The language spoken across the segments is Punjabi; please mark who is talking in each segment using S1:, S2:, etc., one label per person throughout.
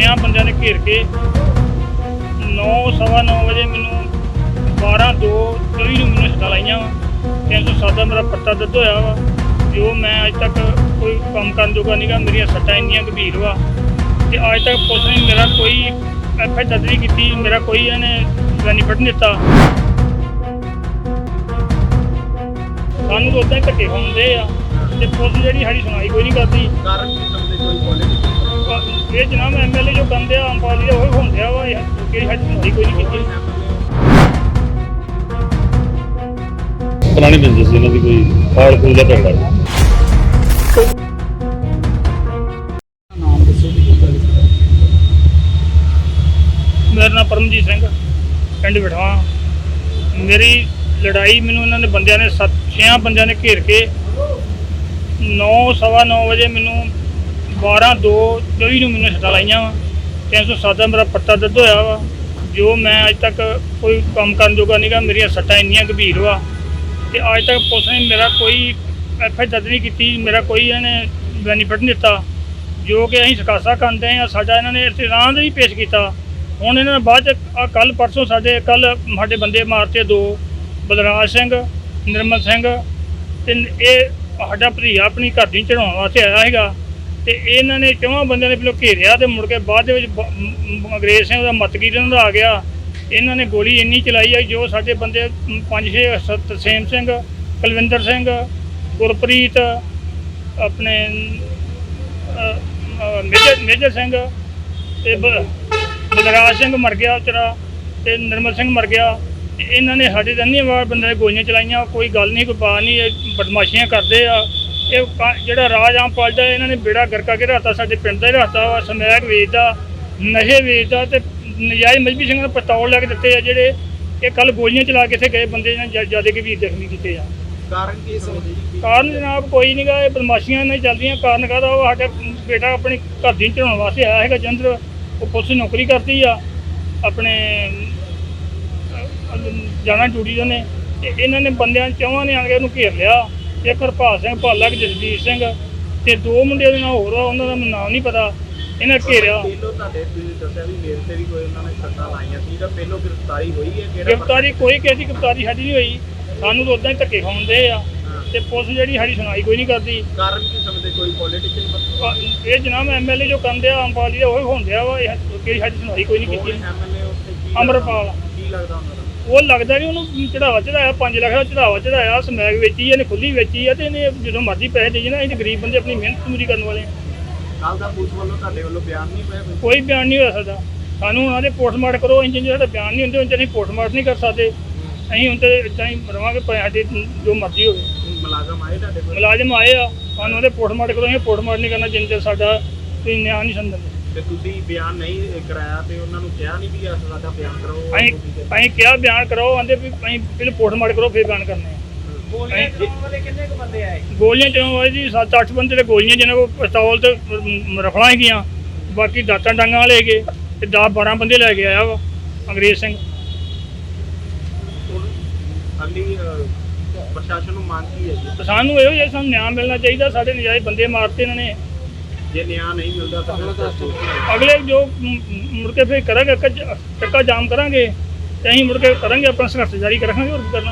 S1: ਬੰਦਿਆਂ ਨੇ ਘੇਰ ਕੇ 9:15 ਵਜੇ ਮੈਨੂੰ 12/2/24 ਨੂੰ ਮੈਨੂੰ ਸੱਟਾਂ ਲਾਈਆਂ ਵਾ। 307 ਦਾ ਮੇਰਾ ਪੱਤਾ ਦਰਜ ਹੋਇਆ ਵਾ। ਜੋ ਮੈਂ ਅੱਜ ਤੱਕ ਕੋਈ ਕੰਮ ਕਰਨ ਜੋਗਾ ਨਹੀਂ ਗਾ। ਮੇਰੀਆਂ ਸੱਟਾਂ ਇੰਨੀਆਂ ਗੰਭੀਰ ਵਾ ਤੇ ਅੱਜ ਤੱਕ ਪੁਲਿਸ ਨੇ ਮੇਰਾ ਕੋਈ ਐਫ ਆਈ ਦਰਜ ਨਹੀਂ ਕੀਤੀ, ਮੇਰਾ ਕੋਈ ਇਹਨੇ ਬੈਨੀਫਿਟ ਨਹੀਂ ਦਿੱਤਾ। ਸਾਨੂੰ ਤਾਂ ਉੱਦਾਂ ਹੀ ਧੱਕੇ ਖਾਂਦੇ ਆ ਤੇ ਪੁਲਿਸ ਜਿਹੜੀ ਸਾਡੀ ਸੁਣਾਈ ਕੋਈ ਨਹੀਂ ਕਰਦੀ। ਇਹ ਜਨਾਬ MLA ਜੋ ਬੰਦੇ ਆ ਆਮ ਪਾਰਟੀ ਦਾ ਉਹ ਹੁੰਦੇ ਆ ਵਾ, ਕਿਹੜੀ ਸਾਡੀ ਸੁਣਾਈ ਕੋਈ ਨਹੀਂ ਕੀਤੀ।
S2: ਪੁਰਾਣੀ ਰੰਜਿਸ਼ ਸੀ ਇਹਨਾਂ ਦੀ, ਕੋਈ ਫਾੜ ਫੂਲ ਦਾ ਝਗੜਾ।
S1: ਮੇਰਾ ਨਾਮ ਪਰਮਜੀਤ ਸਿੰਘ, ਪਿੰਡ ਵਿਠਵਾ। ਮੇਰੀ ਲੜਾਈ ਮੈਨੂੰ ਇਹਨਾਂ ਨੇ ਬੰਦਿਆਂ ਨੇ 6 ਬੰਦਿਆਂ ਨੇ ਘੇਰ ਕੇ 9:15 ਵਜੇ ਮੈਨੂੰ 12/2/24 ਨੂੰ ਮੈਨੂੰ ਸੱਟਾਂ ਲਾਈਆਂ ਵਾ। 307 ਦਾ ਮੇਰਾ ਪੱਤਾ ਦਰਜ ਹੋਇਆ ਵਾ। ਜੋ ਮੈਂ ਅੱਜ ਤੱਕ ਕੋਈ ਕੰਮ ਕਰਨ ਜੋਗਾ ਨਹੀਂ ਗਾ। ਮੇਰੀਆਂ ਸੱਟਾਂ ਇੰਨੀਆਂ ਗੰਭੀਰ ਵਾ ਤੇ ਅੱਜ ਤੱਕ ਪੁਲਿਸ ਨੇ ਮੇਰਾ ਕੋਈ ਐਫ ਆਈ ਦਰਜ ਨਹੀਂ ਕੀਤੀ, ਮੇਰਾ ਕੋਈ ਇਹਨੇ ਬੈਨੀਫਿਟ ਨਹੀਂ ਦਿੱਤਾ। ਜੋ ਕਿ ਅਸੀਂ ਸਕਾਸਾ ਕਰਦੇ ਹਾਂ, ਸਾਡਾ ਇਹਨਾਂ ਨੇ ਇਤਰਾਜ਼ ਨਹੀਂ ਪੇਸ਼ ਕੀਤਾ। ਹੁਣ ਇਹਨਾਂ ਨੇ ਬਾਅਦ 'ਚ ਕੱਲ੍ਹ ਪਰਸੋਂ ਸਾਡੇ ਬੰਦੇ ਮਾਰਤੇ 2, ਬਲਰਾਜ ਸਿੰਘ, ਨਿਰਮਲ ਸਿੰਘ ਤੇ ਇਹ ਸਾਡਾ ਭਤੀਜਾ ਆਪਣੀ ਘਰ ਦੀ ਚੜਾਉਣ ਵਾਸਤੇ ਆਇਆ ਸੀਗਾ ਤੇ ਇਹਨਾਂ ਨੇ 4 ਬੰਦਿਆਂ ਨੇ ਪਹਿਲਾਂ ਘੇਰਿਆ ਤੇ ਮੁੜ ਕੇ ਬਾਅਦ ਦੇ ਵਿੱਚ ਅੰਗਰੇਜ਼ ਸਿੰਘ ਦਾ ਮਤਗੀਰ ਇਹਨਾਂ ਦਾ ਆ ਗਿਆ। ਇਹਨਾਂ ਨੇ ਗੋਲੀ ਇੰਨੀ ਚਲਾਈ ਆ ਜੋ ਸਾਡੇ ਬੰਦੇ 5-6 ਤਰਸੇਮ ਸਿੰਘ, ਕੁਲਵਿੰਦਰ ਸਿੰਘ, ਗੁਰਪ੍ਰੀਤ, ਆਪਣੇ ਮੇਜਰ ਸਿੰਘ ਤੇ ਬਲਰਾਜ ਸਿੰਘ ਮਰ ਗਿਆ ਵਿਚਾਰਾ ਤੇ ਨਿਰਮਲ ਸਿੰਘ ਮਰ ਗਿਆ। ਇਹਨਾਂ ਨੇ ਸਾਡੇ ਇੰਨੀ ਵਾਰ ਬੰਦੇ ਗੋਲੀਆਂ ਚਲਾਈਆਂ, ਕੋਈ ਗੱਲ ਨਹੀਂ, ਕੋਈ ਬਾਤ ਨਹੀਂ। ਇਹ ਬਦਮਾਸ਼ੀਆਂ ਕਰਦੇ ਆ। ਇਹ ਜਿਹੜਾ ਰਾਜ ਆਮ ਪਾਰਟੀ ਦਾ ਇਹਨਾਂ ਨੇ ਬੇੜਾ ਗਰਕਾ ਕੇ ਰੱਖਤਾ, ਸਾਡੇ ਪਿੰਡ ਦਾ ਹੀ ਰੱਖਤਾ ਵਾ। ਸਮੈਕ ਵੇਚਦਾ, ਨਸ਼ੇ ਵੇਚਦਾ ਤੇ ਨਜਾਇਜ਼ ਮਜਬੀ ਸਿੰਘ ਨੂੰ ਪਿਸਤੌਲ ਲੈ ਕੇ ਦਿੱਤੇ ਆ ਜਿਹੜੇ ਇਹ ਕੱਲ੍ਹ ਗੋਲੀਆਂ ਚਲਾ ਕੇ ਇੱਥੇ ਗਏ ਬੰਦੇ ਨੇ ਜ਼ਿਆਦਾ ਗੰਭੀਰ ਜ਼ਖਮੀ ਕੀਤੇ ਆ।
S3: ਕਾਰਨ ਕੀ ਸਮਝਦੇ ਜੀ?
S1: ਕਾਰਨ ਜਨਾਬ ਕੋਈ ਨਹੀਂ ਗਾ, ਇਹ ਬਦਮਾਸ਼ੀਆਂ ਨਹੀਂ ਚੱਲਦੀਆਂ। ਕਾਰਨ ਕਾਹਦਾ? ਉਹ ਸਾਡਾ ਬੇਟਾ ਆਪਣੀ ਘਰ ਦੀ ਚੜਾਉਣ ਵਾਸਤੇ ਆਇਆ ਹੈਗਾ ਜਲੰਧਰ। ਉਹ ਪੁਲਿਸ ਦੀ ਨੌਕਰੀ ਕਰਦੀ ਆ, ਆਪਣੇ ਜਾਣਾ ਡਿਊਟੀ ਦੇ ਨੇ ਤੇ ਇਹਨਾਂ ਨੇ ਬੰਦਿਆਂ 4 ਨੇ ਆ ਕੇ ਉਹਨੂੰ ਘੇਰ ਲਿਆ। ਇੱਕ ਹਰਪਾਲ ਸਿੰਘ ਭਾਲਾ, ਜਸਦੀਪ ਸਿੰਘ ਤੇ 2 ਮੁੰਡੇ ਦੇ ਨਾਲ ਹੋਰ ਆ, ਉਹਨਾਂ ਦਾ ਮੈਨੂੰ ਨਾਮ ਨਹੀਂ ਪਤਾ। ਇਹਨਾਂ ਘੇਰਿਆ।
S3: ਪਹਿਲੋਂ ਤੁਹਾਡੇ ਤੁਸੀਂ ਦੱਸਿਆ ਵੀ ਮੇਰੇ ਤੇ ਵੀ ਕੋਈ ਉਹਨਾਂ ਨੇ ਸੱਟਾਂ ਲਾਈਆਂ ਸੀ, ਤਾਂ ਪਹਿਲੋਂ ਗ੍ਰਿਫਤਾਰੀ ਹੋਈ ਹੈ?
S1: ਗ੍ਰਿਫਤਾਰੀ ਕੋਈ ਕਿਸੇ ਦੀ ਗ੍ਰਿਫਤਾਰੀ ਸਾਡੀ ਨਹੀਂ ਹੋਈ। ਸਾਨੂੰ ਤਾਂ ਉੱਦਾਂ ਹੀ ਧੱਕੇ ਖਾਂਦੇ ਆ ਤੇ ਪੁਲਿਸ ਜਿਹੜੀ ਸਾਡੀ ਸੁਣਾਈ ਕੋਈ ਨਹੀਂ ਕਰਦੀ।
S3: ਕਾਰਨ ਕੀ ਸਮਝਦੇ? ਕੋਈ ਪੋਲੀਟੀਸ਼ੀਅਨ?
S1: ਇਹ ਜਨਾਬ MLA ਜੋ ਕਰਦੇ ਆ ਆਮ ਪਾਰਟੀ ਦਾ ਉਹ ਹੁੰਦੇ ਆ ਵਾ, ਕਿਹੜੀ ਸਾਡੀ ਸੁਣਾਈ ਕੋਈ ਨਹੀਂ ਕੀਤੀ।
S3: MLA ਉੱਥੇ ਕੀ
S1: ਅਮਰਪਾਲ
S3: ਕੀ ਲੱਗਦਾ ਉਹਨਾਂ ਦਾ?
S1: ਉਹ ਲੱਗਦਾ ਨਹੀਂ, ਉਹਨੂੰ ਚੜਾਵਾ ਚੜਾਇਆ 5 ਲੱਖ ਦਾ ਚੜਾਵਾ ਚੜਾਇਆ। ਸਮੈਕ ਵੇਚੀ ਇਹਨੇ, ਖੁੱਲੀ ਵੇਚੀ ਆ ਤੇ ਇਹਨੇ ਜਦੋਂ ਮਰਜ਼ੀ ਪੈਸੇ ਦੇ ਜਾਣਾ। ਅਸੀਂ ਗਰੀਬ ਬੰਦੇ ਆਪਣੀ ਮਿਹਨਤ ਮਜ਼ਦੂਰੀ ਕਰਨ ਵਾਲੇ।
S3: ਕੱਲ ਦਾ ਪੁਲਿਸ ਵੱਲੋਂ ਤੁਹਾਡੇ ਵੱਲੋਂ ਬਿਆਨ ਨਹੀਂ ਪਿਆ?
S1: ਕੋਈ ਬਿਆਨ ਨਹੀਂ ਹੋ ਸਕਦਾ। ਸਾਨੂੰ ਉਹਨਾਂ ਦੇ ਪੋਸਟਮਾਰਟਮ ਕਰੋ। ਇੰਜ ਸਾਡਾ ਬਿਆਨ ਨਹੀਂ ਹੁੰਦੇ, ਉਹਨਾਂ ਅਸੀਂ ਪੋਸਟਮਾਰਟਮ ਨਹੀਂ ਕਰ ਸਕਦੇ। ਅਸੀਂ ਹੁਣ ਤਾਂ ਇੱਦਾਂ ਹੀ ਰਵਾਂਗੇ, ਸਾਡੇ ਜੋ ਮਰਜ਼ੀ ਹੋਵੇ।
S3: ਮੁਲਾਜ਼ਮ ਆਏ ਤੁਹਾਡੇ ਕੋਲ?
S1: ਮੁਲਾਜ਼ਮ ਆਏ ਆ, ਸਾਨੂੰ ਉਹਦੇ ਪੋਸਟਮਾਰਟਮ ਕਰੋ। ਅਸੀਂ ਪੋਸਟਮਾਰਟਮ ਨਹੀਂ ਕਰਨਾ ਜਿੰਨੇ ਚਿਰ ਸਾਡਾ ਤੁਸੀਂ ਨਿਆਂ ਨਹੀਂ ਸਮਝਦੇ।
S3: ਤੇ ਤੁਸੀਂ ਬਿਆਨ ਨਹੀਂ ਕਰਾਇਆ ਤੇ ਉਹਨਾਂ ਨੂੰ ਕਿਹਾ ਨਹੀਂ ਵੀ ਸਾਡਾ ਬਿਆਨ ਕਰੋ?
S1: ਅਸੀਂ ਕਿਹਾ ਬਿਆਨ ਕਰੋ, ਆਂਦੇ ਵੀ ਅਸੀਂ ਪਹਿਲਾਂ ਪੋਸਟਮਾਰਟਮ ਕਰੋ ਫਿਰ ਬਿਆਨ ਕਰਨੇ ਆ।
S3: ਗੋਲੀਆਂ ਚਲਾਉਣ ਵਾਲੇ ਕਿੰਨੇ ਕੁ ਬੰਦੇ ਆਏ?
S1: ਗੋਲੀਆਂ ਚਲਾਉਣ ਵਾਲੇ ਜੀ 7-8 ਬੰਦੇ ਤੇ ਗੋਲੀਆਂ ਜਿਹਨਾਂ ਕੋਲ ਪਿਸਤੌਲ ਤੇ ਰਫਲਾਂ ਹੈਗੀਆਂ, ਬਾਕੀ ਦਾਤਾਂ ਡਾਂਗਾਂ ਲੈ ਗਏ ਤੇ 10-12 ਬੰਦੇ ਲੈ ਕੇ ਆਇਆ ਵਾ ਅੰਗਰੇਜ਼ ਸਿੰਘ।
S3: ਸਾਡੀ ਪ੍ਰਸ਼ਾਸਨ ਨੂੰ ਮੰਗ ਕੀ ਹੈ ਜੀ?
S1: ਸਾਨੂੰ ਇਹੋ ਜਿਹਾ ਸਾਨੂੰ ਨਿਆਂ ਮਿਲਣਾ ਚਾਹੀਦਾ। ਸਾਡੇ ਨਜਾਇਜ਼ ਬੰਦੇ ਮਾਰਤੇ ਇਹਨਾਂ ਨੇ।
S3: ਜੇ ਨਿਆਂ ਨਹੀਂ ਮਿਲਦਾ ਤਾਂ
S1: ਅਗਲੇ ਜੋ ਮੁੜ ਕੇ ਫਿਰ ਕਰਾਂਗੇ, ਚੱਕਾ ਜਾਮ ਕਰਾਂਗੇ ਤੇ ਅਸੀਂ ਮੁੜ ਕੇ ਕਰਾਂਗੇ ਆਪਣਾ ਸੰਘਰਸ਼ ਜਾਰੀ ਰੱਖਾਂਗੇ। ਹੋਰ ਕੀ ਕਰਨਾ।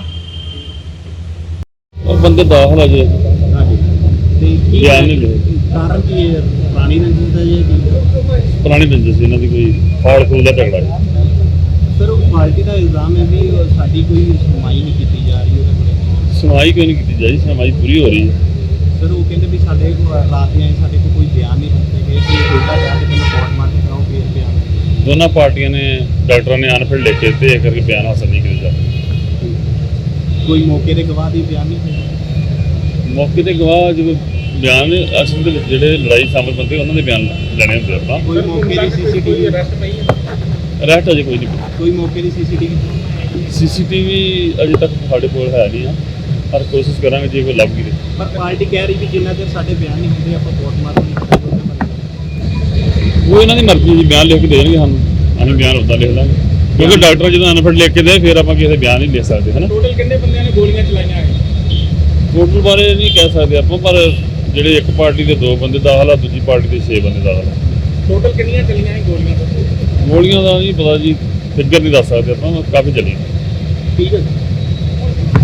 S2: ਉਹ ਬੰਦੇ ਦਾਖਲ ਆ ਜੇ
S3: ਹਾਂਜੀ ਤੇ ਕੀ
S2: ਬਿਆਨ ਨਹੀਂ ਲਏ।
S3: ਕਾਰਨ ਕੀ ਹੈ? ਪੁਰਾਣੀ ਰੰਜਿਸ਼ ਦਾ ਜੀ?
S2: ਪੁਰਾਣੀ ਰੰਜਿਸ਼ ਸੀ ਇਹਨਾਂ ਦੀ, ਕੋਈ ਫਾੜ ਫੂਲ ਦਾ ਝਗੜਾ।
S3: ਸਰ ਉਹ ਪਾਰਟੀ ਦਾ ਇਲਜ਼ਾਮ ਹੈ ਵੀ ਸਾਡੀ ਕੋਈ ਸੁਣਵਾਈ ਨਹੀਂ ਕੀਤੀ ਜਾ ਰਹੀ ਉਹਦੇ ਬਾਰੇ।
S2: ਸੁਣਵਾਈ ਕੋਈ ਨਹੀਂ ਕੀਤੀ ਜਾ ਰਹੀ, ਸੁਣਵਾਈ ਪੂਰੀ ਹੋ ਰਹੀ ਹੈ।
S3: ਸਰ ਉਹ ਕਹਿੰਦੇ ਵੀ ਸਾਡੇ ਰਾਤ ਦੇ ਸਾਡੇ ਕੋਲ ਕੋਈ ਬਿਆਨ ਨਹੀਂ ਦਿੱਤੇ ਗਏ ਕਿ ਉਲਟਾ ਜਾ ਕੇ ਮੈਨੂੰ ਪੋਸਟਮਾਰਟਮ ਕਰਾਓ ਫਿਰ ਬਿਆਨ।
S2: ਦੋਨਾਂ ਪਾਰਟੀਆਂ ਨੇ, ਡਾਕਟਰਾਂ ਨੇ ਅਨਫਿਲ ਲਿਖ ਕੇ ਤੇ ਇਹ ਕਰਕੇ ਬਿਆਨ ਹਾਸਲ ਨਹੀਂ ਕੀਤਾ ਜਾ ਰਿਹਾ।
S3: ਕੋਈ ਮੌਕੇ ਦੇ ਗਵਾਹ ਦੀ ਬਿਆਨ ਨਹੀਂ ਹੋਇਆ?
S2: ਮੌਕੇ ਤੇ ਗਵਾਹ ਜਦੋਂ ਬਿਆਨ ਅਸਲ ਦੇ ਵਿੱਚ ਜਿਹੜੇ ਲੜਾਈ ਸ਼ਾਮਲ ਬੰਦੇ ਉਹਨਾਂ ਦੇ ਬਿਆਨ ਲੈਣੇ ਹੁੰਦੇ ਆਪਾਂ।
S3: ਕੋਈ ਮੌਕੇ ਦੀ CCTV
S2: ਅਰੈਸਟ ਅਜੇ ਕੋਈ ਨਹੀਂ।
S3: ਕੋਈ ਮੌਕੇ ਦੀ CCTV
S2: ਅਜੇ ਤੱਕ ਸਾਡੇ ਕੋਲ ਹੈ ਨਹੀਂ ਆ, ਪਰ ਕੋਸ਼ਿਸ਼ ਕਰਾਂਗੇ ਜੇ ਕੋਈ ਲੱਭ ਗਈ।
S3: ਪਰ ਪਾਰਟੀ ਕਹਿ ਰਹੀ ਵੀ ਜਿੰਨਾ ਚਿਰ ਸਾਡੇ ਬਿਆਨ ਨਹੀਂ ਹੁੰਦੇ ਆਪਾਂ ਪੋਸਟਮਾਰਟਮ ਨਹੀਂ ਕਰਾਂਗੇ।
S2: ਉਹ ਇਹਨਾਂ ਦੀ ਮਰਜ਼ੀ ਜੀ, ਬਿਆਨ ਲਿਖ ਕੇ ਦੇ ਦੇਣਗੇ ਸਾਨੂੰ, ਅਸੀਂ ਬਿਆਨ ਉੱਦਾਂ ਲਿਖ ਲਾਂਗੇ। ਕਿਉਂਕਿ ਡਾਕਟਰ ਜਦੋਂ ਅਨਫਿਲ ਲਿਖ ਕੇ ਦੇ ਫਿਰ ਆਪਾਂ ਕਿਸੇ ਦੇ ਬਿਆਨ ਨਹੀਂ ਲਿਖ ਸਕਦੇ ਹੈ ਨਾ।
S3: ਟੋਟਲ ਕਿੰਨੇ ਬੰਦਿਆਂ ਨੇ ਗੋਲੀਆਂ ਚਲਾਈਆਂ?
S2: ਟੋਟਲ ਬਾਰੇ ਨਹੀਂ ਕਹਿ ਸਕਦੇ ਆਪਾਂ, ਪਰ ਜਿਹੜੇ ਇੱਕ ਪਾਰਟੀ ਦੇ 2 ਬੰਦੇ ਦਾਖਲ ਆ, ਦੂਜੀ ਪਾਰਟੀ ਦੇ 6 ਬੰਦੇ ਦਾਖਲ ਆ।
S3: ਟੋਟਲ ਕਿੰਨੀਆਂ ਚੱਲੀਆਂ ਸੀ ਗੋਲੀਆਂ ਤੋਂ?
S2: ਗੋਲੀਆਂ ਦਾ ਨਹੀਂ ਪਤਾ ਜੀ, ਫਿਗਰ ਨਹੀਂ ਦੱਸ ਸਕਦੇ ਆਪਾਂ, ਕਾਫੀ ਚੱਲੀਆਂ।
S3: ਠੀਕ ਹੈ